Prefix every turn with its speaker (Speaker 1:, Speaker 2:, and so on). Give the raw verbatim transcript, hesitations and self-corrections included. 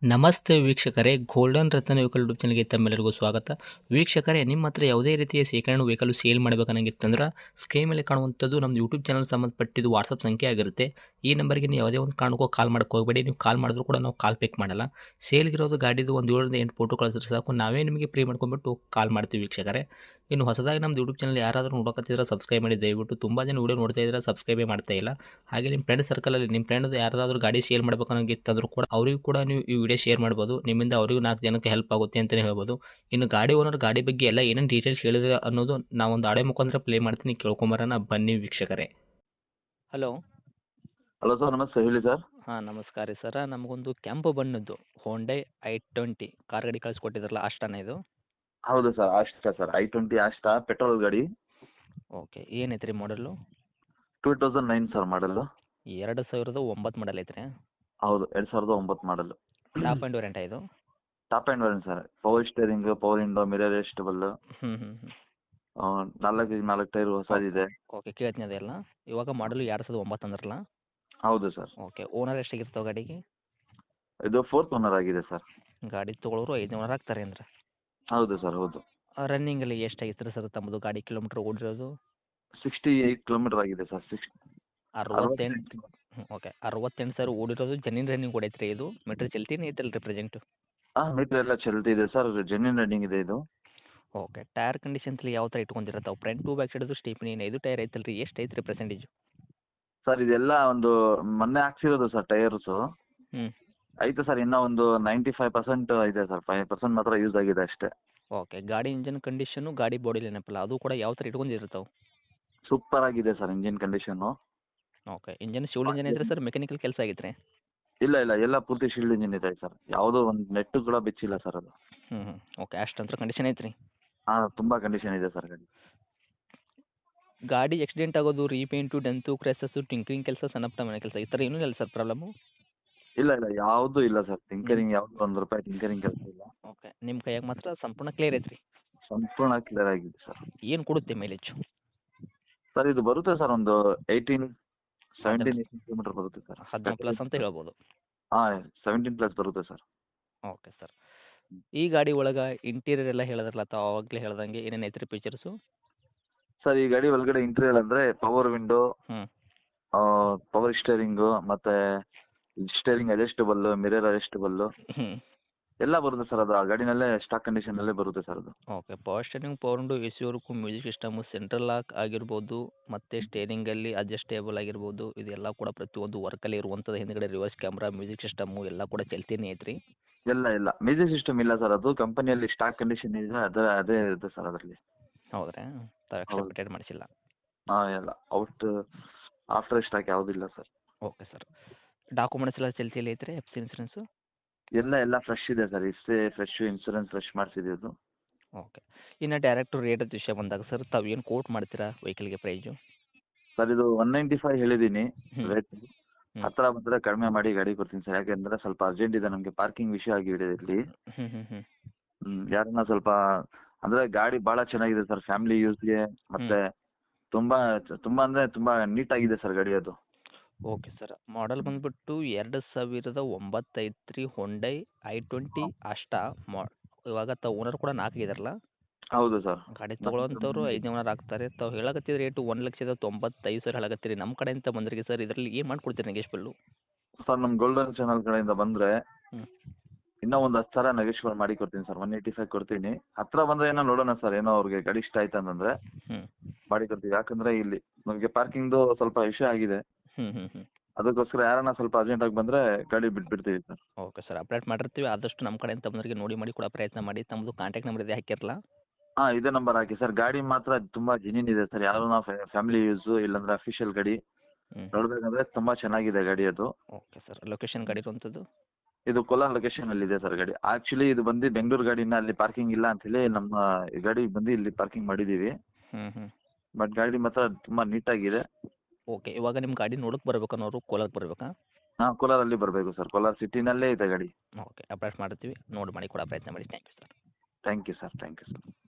Speaker 1: ನಮಸ್ತೆ ವೀಕ್ಷಕರೇ, ಗೋಲ್ಡನ್ ರತ್ನ vehicle YouTube ಚಾನಲ್ಗೆ ತಮ್ಮೆಲ್ಲರಿಗೂ ಸ್ವಾಗತ. ವೀಕ್ಷಕರೇ, ನಿಮ್ಮ ಹತ್ರ ಯಾವುದೇ ರೀತಿಯ ಶೇಖರಣೆ ವೆಹಿಕಲ್ ಸೇಲ್ ಮಾಡಬೇಕನ್ನಂಗಿತ್ತಂದ್ರೆ ಸ್ಕ್ರೀನ್ ಮೇಲೆ ಕಾಣುವಂಥದ್ದು ನಮ್ಮ ಯೂಟ್ಯೂಬ್ ಚಾನಲ್ ಸಂಬಂಧಪಟ್ಟಿದ್ದು ವಾಟ್ಸಪ್ ಸಂಖ್ಯೆ ಆಗಿರುತ್ತೆ. ಈ ನಂಬರ್ಗೆ ನೀವು ಯಾವುದೇ ಒಂದು ಕಾರಣಕ್ಕೂ ಕಾಲ್ ಮಾಡೋಕ್ಕೆ ಹೋಗಬೇಡಿ. ನೀವು ಕಾಲ್ ಮಾಡಿದ್ರು ಕೂಡ ನಾವು ಕಾಲ್ ಪಿಕ್ ಮಾಡಲ್ಲ. ಸೇಲ್ಗಿರೋದು ಗಾಡಿದು ಒಂದು ಏಳರಿಂದ ಎಂಟು ಫೋಟೋ ಕಳಿಸಿದ್ರೆ ಸಾಕು, ನಾವೇ ನಿಮಗೆ ಪ್ರೀ ಮಾಡ್ಕೊಂಡ್ಬಿಟ್ಟು ಕಾಲ್ ಮಾಡ್ತೀವಿ ವೀಕ್ಷಕರೇ. ಇನ್ನು ಹೊಸದಾಗಿ ನಮ್ಮದು ಯೂಟ್ಯೂಬ್ ಚಾನಲ್ ಯಾರಾದರೂ ನೋಡೋಕತ್ತಿದ್ರೆ ಸಬ್ಸ್ಕ್ರೈಬ್ ಮಾಡಿ ದಯವಿಟ್ಟು. ತುಂಬ ಜನ ವೀಡಿಯೋ ನೋಡ್ತಾ ಇದ್ದಾರೆ, ಸಬ್ಸ್ಕ್ರೈಬೇ ಮಾಡ್ತಾ ಇಲ್ಲ. ಹಾಗೆ ನಿಮ್ಮ ಫ್ರೆಂಡ್ ಸರ್ಕಲಲ್ಲಿ ನಿಮ್ಮ ಫ್ರೆಂಡ್ ಯಾರಾದರೂ ಗಾಡಿ ಸೇಲ್ ಮಾಡಬೇಕನ್ನೋಂಗಿತ್ತಂದ್ರೂ ಕೂಡ ಅವರಿಗೂ ಕೂಡ ನೀವು ಈ ವಿಡಿಯೋ ಶೇರ್ ಮಾಡ್ಬೋದು. ನಿಮ್ಮಿಂದ ಅವರಿಗೂ ನಾಲ್ಕು ಜನಕ್ಕೆ ಹೆಲ್ಪ್ ಆಗುತ್ತೆ ಅಂತಲೇ ಹೇಳ್ಬೋದು. ಇನ್ನು ಗಾಡಿ ಓನರ್ ಗಾಡಿ ಬಗ್ಗೆ ಎಲ್ಲ ಏನೇನು ಡೀಟೇಲ್ಸ್ ಹೇಳಿದ್ರೆ ಅನ್ನೋದು ನಾವೊಂದು ಆಡೆ ಮುಖಾಂತರ ಪ್ಲೇ ಮಾಡ್ತೀನಿ, ಕೇಳ್ಕೊಂಬರೋಣ ಬನ್ನಿ ವೀಕ್ಷಕರೇ. ಹಲೋ
Speaker 2: ಹಲೋ ಸರ್, ನಮಸ್ತೆ. ಹೇಳಿ ಸರ್.
Speaker 1: ಹಾಂ, ನಮಸ್ಕಾರ ರೀ ಸರ. ನಮಗೊಂದು ಕೆಂಪು ಬಣ್ಣದ್ದು ಹೋಂಡೈ ಐ ಟ್ವೆಂಟಿ ಕಾರ್ ಗಾಡಿ ಕಳಿಸ್ಕೊಟ್ಟಿದ್ರಲ್ಲ, ಅಷ್ಟನೇ ಇದು?
Speaker 2: ಹೌದು ಸರ್, ಆಸ್ಟಾ ಸರ್, ಐ ಟ್ವೆಂಟಿ ಆಸ್ಟಾ ಪೆಟ್ರೋಲ್ ಗಾಡಿ.
Speaker 1: ಓಕೆ, ಏನೈತೆ ರೀ ಮಾಡಲು?
Speaker 2: ಟೂ ತೌಸಂಡ್ ನೈನ್ ಸರ್ ಮಾಡಲು.
Speaker 1: ಎರಡು ಸಾವಿರದ ಒಂಬತ್ತು ಮಾಡಲ್ ಐತ್ರಿ?
Speaker 2: ಹೌದು, ಎರಡು ಸಾವಿರದ ಒಂಬತ್ತು ಮಾಡಲು.
Speaker 1: ಟಾಪ್ ಆ್ಯಂಡ್ ವೇರಿಯಂಟ್ ಇದು?
Speaker 2: Top end variant sir. Power steering, power window, mirror adjustable,
Speaker 1: ಹ್ಞೂ ಹ್ಞೂ ಹ್ಞೂ
Speaker 2: ನಾಲ್ಕು ನಾಲ್ಕು ಟೈರ್ ಹೊಸದಿದೆ.
Speaker 1: ಓಕೆ, ಕೇಳ್ತೀನಿ ಅದೆಲ್ಲ. ಇವಾಗ ಮಾಡಲು ಎರಡು ಸಾವಿರದ ಒಂಬತ್ತು ಅಂದ್ರಲ್ಲ?
Speaker 2: ಹೌದು ಸರ್.
Speaker 1: ಓಕೆ, ಓನರ್ ಎಷ್ಟಾಗಿರ್ತಾವೆ ಗಾಡಿಗೆ?
Speaker 2: ಇದು ಫೋರ್ತ್ ಓನರ್ ಆಗಿದೆ ಸರ್.
Speaker 1: ಗಾಡಿ ತೊಗೊಳೋರು ಐದು ಓನರ್ ಆಗ್ತಾರೆ ಅಂದ್ರೆ?
Speaker 2: ಹೌದು ಸರ್, ಹೌದು.
Speaker 1: ರನ್ನಿಂಗಲ್ಲಿ ಎಷ್ಟಾಗಿತ್ತು ಸರ್ ತಮ್ಮದು ಗಾಡಿ ಕಿಲೋಮೀಟ್ರ್ ಓಡಿರೋದು?
Speaker 2: ಸಿಕ್ಸ್ಟಿ ಏಯ್ಟ್ ಕಿಲೋಮೀಟರ್ ಆಗಿದೆ ಸರ್. ಸಿಕ್ಸ್
Speaker 1: ಅರವತ್ತೆಂಟು ಓಕೆ, ಅರವತ್ತೆಂಟು ಸಾವಿರ ಓಡಿರೋದು. ಜೆನ್ಯೂನ್ ರನ್ನಿಂಗ್ ಓಡೈತ್ರಿ ಇದು? ಮೀಟ್ರ್ ಚಲ್ತಿನೇ ಐತಲ್ಲ ರೀ ಪ್ರೆಸೆಂಟು?
Speaker 2: ಹಾಂ, ಮೀಟರ್ ಎಲ್ಲ ಚಲ್ತಿದೆ ಸರ್. ಜೆನ್ಯೂನ್ ರನ್ನಿಂಗ್ ಇದೆ ಇದು.
Speaker 1: ಓಕೆ, ಟೈರ್ ಕಂಡೀಷನ್ಸ್ಲಿ ಯಾವ ಥರ ಇಟ್ಕೊಂಡಿರತ್ತಾವೆ? ಫ್ರಂಟ್ ಟು ಬ್ಯಾಕ್ ಸೈಡದು ಸ್ಟೇಪ್ನಿ ಐದು ಟೈರ್ ಐತಲ್ಲ ರೀ, ಎಷ್ಟು ಐತೆ ರೀ ಪರ್ಸೆಂಟೇಜು?
Speaker 2: ಸರ್ ಇದೆಲ್ಲ ಒಂದು ಮೊನ್ನೆ ಹಾಕ್ಸಿರೋದು ಸರ್ ಟೈರ್ಸು.
Speaker 1: ಹ್ಞೂ
Speaker 2: ಐತೆ ಸರ್, ಇನ್ನೂ ಒಂದು ನೈಂಟಿ ಫೈವ್ ಪರ್ಸೆಂಟ್ ಇದೆ ಸರ್. ಫೈವ್ ಪರ್ಸೆಂಟ್ ಮಾತ್ರ ಯೂಸ್ ಆಗಿದೆ ಅಷ್ಟೇ.
Speaker 1: ಓಕೆ, ಗಾಡಿ ಇಂಜನ್ ಕಂಡೀಷನು, ಗಾಡಿ ಬಾಡಿ ಏನಪ್ಪಲ್ಲ ಅದು ಕೂಡ ಯಾವ ಥರ ಇಟ್ಕೊಂಡಿರ್ತಾವೆ?
Speaker 2: ಸೂಪರ್ ಆಗಿದೆ sir engine condition.
Speaker 1: Okay, engine ಶಿವಲ್ ಇಂಜನ್ ಐತ್ರಿ ಸರ್? ಮೆಕ್ಯಾನಿಕಲ್ ಕೆಲಸ ಆಗೈತೆ ರೀ?
Speaker 2: ಇಲ್ಲ ಇಲ್ಲ, ಎಲ್ಲ ಪೂರ್ತಿ ಶೀಲ್ಡ್ ಇಂಜಿನ್ ಇದೆ ಸರ್. ಯಾವುದೋ ಒಂದು ನೆಟ್ಟು ಕೂಡ ಬಿಚ್ಚಿಲ್ಲ ಸರ್ ಅದು.
Speaker 1: ಹ್ಞೂ ಹ್ಞೂ ಓಕೆ, ಅಷ್ಟಂತ್ರ ಕಂಡೀಷನ್ ಐತ್ರಿ?
Speaker 2: ಹಾಂ, ತುಂಬ ಕಂಡೀಷನ್ ಇದೆ ಸರ್ ಗಾಡಿ.
Speaker 1: ಗಾಡಿ ಆಕ್ಸಿಡೆಂಟ್ ಆಗೋದು, ರೀಪೇಂಟು, ಡೆಂತು, ಕ್ರ್ಯಾಸಸ್ಸು, ಟಿಂಕ್ರಿಂಗ್ ಕೆಲಸ, ಸಣ್ಣ ಪುಟ್ಟ ಮನೆ ಕೆಲಸ ಈ ಥರ ಏನೂ ಇಲ್ಲ ಸರ್ ಪ್ರಾಬ್ಲಮ್ಮು?
Speaker 2: ಇಲ್ಲ ಇಲ್ಲ, ಯಾವುದೂ ಇಲ್ಲ ಸರ್. ಟಿಂಕರಿಂಗ್ ಯಾವುದು ಒಂದು ರೂಪಾಯಿ ಟಿಂಕರಿಂಗ್ ಕೆಲಸ ಇಲ್ಲ.
Speaker 1: ಓಕೆ, ನಿಮ್ಮ ಕೈಯಾಗ ಮಾತ್ರ ಸಂಪೂರ್ಣ ಕ್ಲಿಯರ್ ಐತ್ರಿ?
Speaker 2: ಸಂಪೂರ್ಣ ಕ್ಲಿಯರ್ ಆಗಿದೆ ಸರ್.
Speaker 1: ಏನು ಕೊಡುತ್ತೆ ಮೈಲೇಜು?
Speaker 2: ಸರ್ ಇದು ಬರುತ್ತೆ ಸರ್, ಒಂದು ಏಯ್ಟೀನ್ ಸೆವೆಂಟೀನ್ ಏಯ್ಟೀನ್ ಕಿಲೋಮೀಟರ್ ಬರುತ್ತೆ ಸರ್.
Speaker 1: ಹದಿನಾಲ್ಕು ಪ್ಲಸ್ ಅಂತ ಹೇಳ್ಬೋದು?
Speaker 2: ಹಾಂ, ಸೆವೆಂಟೀನ್ ಪ್ಲಸ್ ಬರುತ್ತೆ ಸರ್.
Speaker 1: Okay sir. ಈ ಗಾಡಿ ಒಳಗೆ ಇಂಟೀರಿಯರ್ ಎಲ್ಲ ಹೇಳಿದ್ರಲ್ಲ ತಾವು ಆವಾಗಲೇ ಹೇಳ್ದಂಗೆ, ಏನೇನು ಐತ್ರಿ ಫೀಚರ್ಸು?
Speaker 2: ಸರ್ ಈ ಗಾಡಿ ಒಳಗಡೆ ಇಂಟೀರಿಯರ್ ಅಂದರೆ ಪವರ್ ವಿಂಡೋ,
Speaker 1: ಹ್ಞೂ
Speaker 2: ಪವರ್ ಸ್ಟೇರಿಂಗು, ಮತ್ತು ಸ್ಟೇರಿಂಗ್ ಅಡ್ಜಸ್ಟಬಲ್ಲು, ಮಿರರ್ ಅಡ್ಜಸ್ಟಬಲ್ಲು
Speaker 1: ಹ್ಞೂ
Speaker 2: ಎಲ್ಲ ಬರುತ್ತೆ ಸರ್. ಅದು ಆ ಗಾಡಿನಲ್ಲೇ ಸ್ಟಾಕ್ ಕಂಡೀಷನಲ್ಲೇ ಬರುತ್ತೆ ಸರ್ ಅದು.
Speaker 1: Okay, power steering, power window, A ಸಿವರೆಗೂ, ಮ್ಯೂಸಿಕ್ ಸಿಸ್ಟಮು, ಸೆಂಟ್ರಲ್ ಲಾಕ್ ಆಗಿರ್ಬೋದು, ಮತ್ತು ಸ್ಟೇರಿಂಗಲ್ಲಿ ಅಡ್ಜಸ್ಟೇಬಲ್ ಆಗಿರ್ಬೋದು, ಇದೆಲ್ಲ ಕೂಡ ಪ್ರತಿಯೊಂದು ವರ್ಕಲ್ಲಿ ಇರುವಂಥದ್ದು. ಹಿಂದ್ಗಡೆ ರಿವರ್ಸ್ ಕ್ಯಾಮ್ರಾ, ಮ್ಯೂಸಿಕ್ ಸಿಸ್ಟಮು ಎಲ್ಲ ಕೂಡ ಚಲ್ತಿನೇ ಐತ್ರಿ?
Speaker 2: ಎಲ್ಲ ಇಲ್ಲ, ಮ್ಯೂಸಿಕ್ ಸಿಸ್ಟಮ್ ಇಲ್ಲ ಸರ್. ಅದು ಕಂಪನಿಯಲ್ಲಿ ಸ್ಟಾಕ್ ಕಂಡೀಷನ್ ಇದೆ, ಅದೇ ಅದೇ ಇರುತ್ತೆ ಸರ್ ಅದರಲ್ಲಿ.
Speaker 1: ಹೌದ್ರಾ? ತಾವು ಎಕ್ಸ್ಟ್ರಾ ಅಪ್ಡೇಟ್ ಮಾಡಿಸಿಲ್ಲ?
Speaker 2: ಹಾಂ, ಎಲ್ಲ ಔಟ್ ಆಫ್ಟರ್ ಸ್ಟಾಕ್ ಯಾವುದಿಲ್ಲ ಸರ್.
Speaker 1: Okay sir. ಡಾಕ್ಯುಮೆಂಟ್ಸ್ ಎಲ್ಲ ಚಲ್ತಿಯಲ್ಲಿ ಐತ್ರಿ? ಎಫ್ ಸಿ ಇನ್ಸೂರೆನ್ಸು
Speaker 2: ಎಲ್ಲ ಎಲ್ಲ ಫ್ರೆಶ್ ಇದೆ ಸರ್. ಇಷ್ಟೇ ಫ್ರೆಶ್ ಇನ್ಸೂರೆನ್ಸ್ ಫ್ರೆಶ್ ಮಾಡಿಸಿದ್ದು.
Speaker 1: ಓಕೆ. ಇನ್ನು ಡೈರೆಕ್ಟು ರೇಟ್ ವಿಷಯ ಬಂದಾಗ ಸರ್, ತಾವು ಏನು ಕೋಟ್ ಮಾಡ್ತೀರಾ ವೆಹಿಕಲ್ಗೆ ಪ್ರೈಸು?
Speaker 2: ಸರ್ ಇದು ಒನ್ ನೈಂಟಿ ಫೈವ್ ಹೇಳಿದ್ದೀನಿ
Speaker 1: ಹ್ಞೂ
Speaker 2: ರೇಟ್.
Speaker 1: ಹ್ಞೂ
Speaker 2: ಹತ್ತಿರ ಬಂದರೆ ಕಡಿಮೆ ಮಾಡಿ ಗಾಡಿ ಕೊಡ್ತೀನಿ ಸರ್. ಯಾಕೆಂದರೆ ಸ್ವಲ್ಪ ಅರ್ಜೆಂಟ್ ಇದೆ ನಮಗೆ, ಪಾರ್ಕಿಂಗ್ ವಿಷಯ ಆಗಿದೆ ಇಲ್ಲಿ.
Speaker 1: ಹ್ಞೂ ಹ್ಞೂ ಹ್ಞೂ
Speaker 2: ಹ್ಞೂ ಯಾರನ್ನ ಸ್ವಲ್ಪ ಅಂದರೆ ಗಾಡಿ ಭಾಳ ಚೆನ್ನಾಗಿದೆ ಸರ್, ಫ್ಯಾಮಿಲಿ ಯೂಸ್ಗೆ. ಮತ್ತು ತುಂಬ ತುಂಬ ಅಂದರೆ ತುಂಬ ನೀಟಾಗಿದೆ ಸರ್ ಗಾಡಿ ಅದು.
Speaker 1: Okay sir. ಮಾಡಲ್ ಬಂದುಬಿಟ್ಟು ಎರಡು ಸಾವಿರದ ಒಂಬತ್ತು ಐತ್ರಿ, ಹೊಂಡೈ ಐ ಟ್ವೆಂಟಿ ಅಷ್ಟಾ ಮಾ ಇವಾಗ ತಾವು ಓನರ್ ಕೂಡ ನಾಲ್ಕು ಇದಾರಲ್ಲ?
Speaker 2: ಹೌದು ಸರ್.
Speaker 1: ಗಾಡಿ ತೊಗೊಳೋಂಥವ್ರು ಐದನೇ ಓನರ್ ಆಗ್ತಾರೆ. ತಾವು ಹೇಳಕತ್ತಿದ ರೇಟು ಒಂದು ಲಕ್ಷದ ತೊಂಬತ್ತೈದು ಸಾವಿರ ಹೇಳಕತ್ತೀರಿ. ನಮ್ಮ ಕಡೆಯಿಂದ ಬಂದ್ರಿಗೆ ಸರ್, ಇದರಲ್ಲಿ ಏನು ಮಾಡ್ಕೊಡ್ತೀರಿ ನೆಗೆಶ್ಬಲ್ಲು?
Speaker 2: ಸರ್ ನಮ್ಮ ಗೋಲ್ಡನ್ ಚಾನಲ್ ಕಡೆಯಿಂದ ಬಂದರೆ
Speaker 1: ಹ್ಞೂ
Speaker 2: ಇನ್ನೂ ಒಂದು ಹತ್ತು ಸಾವಿರ ನೆಗೆಶ್ಬಲ್ ಮಾಡಿ ಕೊಡ್ತೀನಿ ಸರ್. ಒನ್ ಏಯ್ಟಿ ಫೈವ್ ಕೊಡ್ತೀನಿ. ಹತ್ತಿರ ಬಂದರೆ ಏನೋ ನೋಡೋಣ ಸರ್, ಏನೋ ಅವ್ರಿಗೆ ಗಾಡಿ ಇಷ್ಟ ಆಯ್ತು ಅಂತಂದರೆ
Speaker 1: ಹ್ಞೂ
Speaker 2: ಮಾಡಿ ಕೊಡ್ತೀವಿ. ಯಾಕಂದರೆ ಇಲ್ಲಿ ನಮಗೆ ಪಾರ್ಕಿಂಗ್ದು ಸ್ವಲ್ಪ ವಿಷಯ ಆಗಿದೆ.
Speaker 1: ಹ್ಞೂ ಹ್ಞೂ ಹ್ಞೂ
Speaker 2: ಅದಕ್ಕೋಸ್ಕರ ಯಾರನ್ನ ಸ್ವಲ್ಪ ಅರ್ಜೆಂಟಾಗಿ ಬಂದರೆ ಗಾಡಿ ಬಿಟ್ಬಿಡ್ತೀವಿ ಸರ್.
Speaker 1: ಓಕೆ ಸರ್, ಅಪ್ಡೇಟ್ ಮಾಡಿರ್ತೀವಿ. ಆದಷ್ಟು ನಮ್ಮ ಕಡೆಯಿಂದ ಬಂದವರಿಗೆ ನೋಡಿ ಮಾಡಿ ಕೊಡೋ ಪ್ರಯತ್ನ ಮಾಡಿ. ತಮ್ಮದು ಕಾಂಟ್ಯಾಕ್ಟ್ ನಂಬರ್ ಇದೆ ಹಾಕಿರಲ್ಲ?
Speaker 2: ಹಾಂ, ಇದೇ ನಂಬರ್ ಹಾಕಿ ಸರ್. ಗಾಡಿ ಮಾತ್ರ ತುಂಬ ಜೆನ್ಯೂನ್ ಇದೆ ಸರ್. ಯಾರು ನಾವು ಫ್ಯಾಮಿಲಿ ಯೂಸು ಇಲ್ಲಾಂದರೆ ಅಫಿಷಿಯಲ್ ಗಾಡಿ
Speaker 1: ಹ್ಞೂ
Speaker 2: ನೋಡಬೇಕಂದ್ರೆ ತುಂಬ ಚೆನ್ನಾಗಿದೆ ಗಾಡಿ ಅದು.
Speaker 1: Okay sir. ಲೊಕೇಶನ್ ಗಾಡಿ ಇರುವಂಥದ್ದು?
Speaker 2: ಇದು ಕೋಲಾರ ಲೊಕೇಶನಲ್ಲಿದೆ ಸರ್ ಗಾಡಿ. ಆ್ಯಕ್ಚುಲಿ ಇದು ಬಂದು ಬೆಂಗಳೂರು ಗಾಡಿನ ಅಲ್ಲಿ ಪಾರ್ಕಿಂಗ್ ಇಲ್ಲ ಅಂಥೇಳಿ ನಮ್ಮ ಈ ಗಾಡಿ ಬಂದು ಇಲ್ಲಿ ಪಾರ್ಕಿಂಗ್ ಮಾಡಿದ್ದೀವಿ.
Speaker 1: ಹ್ಞೂ ಹ್ಞೂ
Speaker 2: ಬಟ್ ಗಾಡಿ ಮಾತ್ರ ತುಂಬ ನೀಟಾಗಿದೆ.
Speaker 1: ಓಕೆ, ಇವಾಗ ನಿಮ್ಮ ಗಾಡಿ ನೋಡೋಕೆ ಬರ್ಬೇಕು ಅನ್ನೋರು ಕೋಲಾರಕ್ಕೆ ಬರಬೇಕಾ?
Speaker 2: ಹಾಂ, ಕೋಲಾರಲ್ಲಿ ಬರಬೇಕು ಸರ್. ಕೋಲಾರ ಸಿಟಿನಲ್ಲೇ ಇದೆ ಗಾಡಿ.
Speaker 1: ಓಕೆ, ಅಪ್ಡೇಟ್ ಮಾಡ್ತೀವಿ. ನೋಡಿ ಮಾಡಿ ಕೊಡೋ ಪ್ರಯತ್ನ ಮಾಡಿ. Thank you sir.
Speaker 2: Thank you sir. Thank you sir.